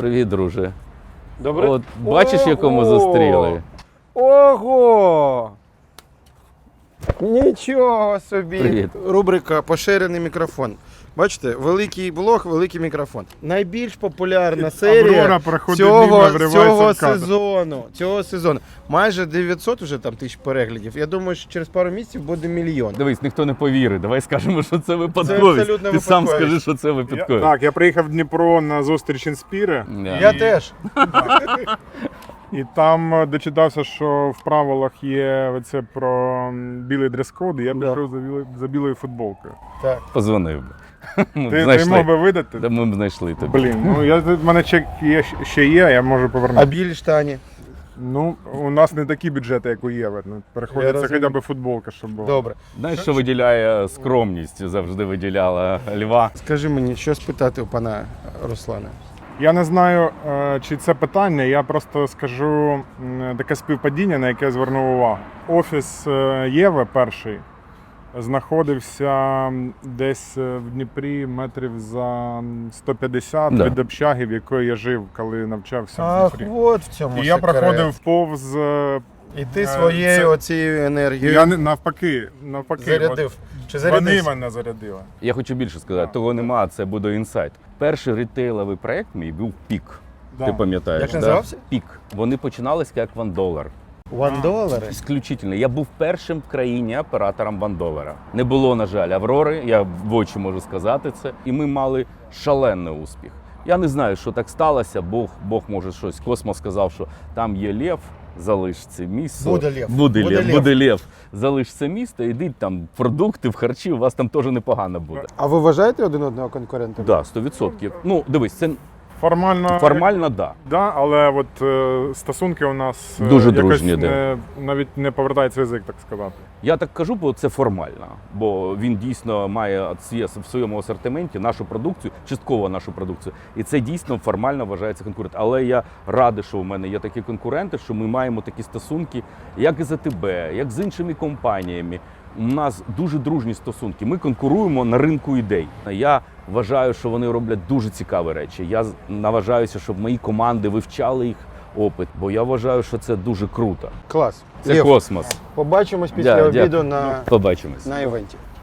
Привіт, друже. Добре. От бачиш, якому зустріли? Ого! Нічого собі. Привіт. Рубрика «Поширений мікрофон». Бачите, великий блог, великий мікрофон. Найбільш популярна серія Аврора проходить мимо, вривається в кадр. цього сезону. Майже 900 уже там тисяч переглядів. Я думаю, що через пару місяців буде мільйон. Дивись, ніхто не повірить. Давай скажемо, що це випадковість. абсолютно Ти сам випадковість. скажи, що це випадковість. Так, я приїхав в Дніпро на зустріч Інспіри, Я теж. і там дочитався, що в правилах є оце про білий дрес-код, і я Да. пішов за білою футболкою. Так. Позвонив би. Ми б Ти знайшли. мог би видати? Та ми б знайшли тебе. Блін, ну в мене чек ще є, я можу А повернути. білі штані? Ну, у нас не такі бюджети, як у Єве. Ну, Я приходиться розумію. хоча б футболка, щоб була. Добре. Знаєш, що виділяє скромність, завжди виділяла Льва. Скажи мені, що спитати у пана Руслана? Я не знаю, чи це питання, я просто скажу таке співпадіння, на яке звернув увагу. Офіс Єви перший знаходився десь в Дніпрі метрів за 150 Да. від общаги, в якої я жив, коли навчався в Ах, Дніпрі. от в цьому І я секрет. проходив повз. І ти своєю це- оцією енергією Я навпаки. зарядив. Чи Вони зарядив? мене зарядили. Я хочу більше сказати, того нема, це буде інсайт. Перший ритейловий проект мій був Пік. Да. Ти пам'ятаєш? Як да? називався? Пік. Вони починалися як $1. $1? Ісключительно. Я був першим в країні оператором $1. Не було, на жаль, Аврори, я в очі можу сказати це. І ми мали шалений успіх. Я не знаю, що так сталося, Бог може щось. Космос сказав, що там є лев, залиш це місто. Буде лев. Буде Буде лев. лев. Буде лев. Залиш це місто, ідіть там продукти, в харчі, у вас там теж непогано буде. А ви вважаєте один одного конкурентом? Так, 100%. Ну, дивись, це Формально, да. да, але от стосунки у нас Дуже якось дружні, да. навіть не повертається язик, так сказати. Я так кажу, бо це формально, бо він дійсно має в своєму асортименті нашу продукцію, частково нашу продукцію, і це дійсно формально вважається конкурент. Але я радий, що у мене є такі конкуренти, що ми маємо такі стосунки, як і з АТБ, як з іншими компаніями. У нас дуже дружні стосунки. Ми конкуруємо на ринку ідей. Я вважаю, що вони роблять дуже цікаві речі. Я наважаюся, щоб мої команди вивчали їх опит, бо я вважаю, що це дуже круто. Клас. Це Лев, космос. побачимось після Да, обіду дякую. на Побачимось. івенті.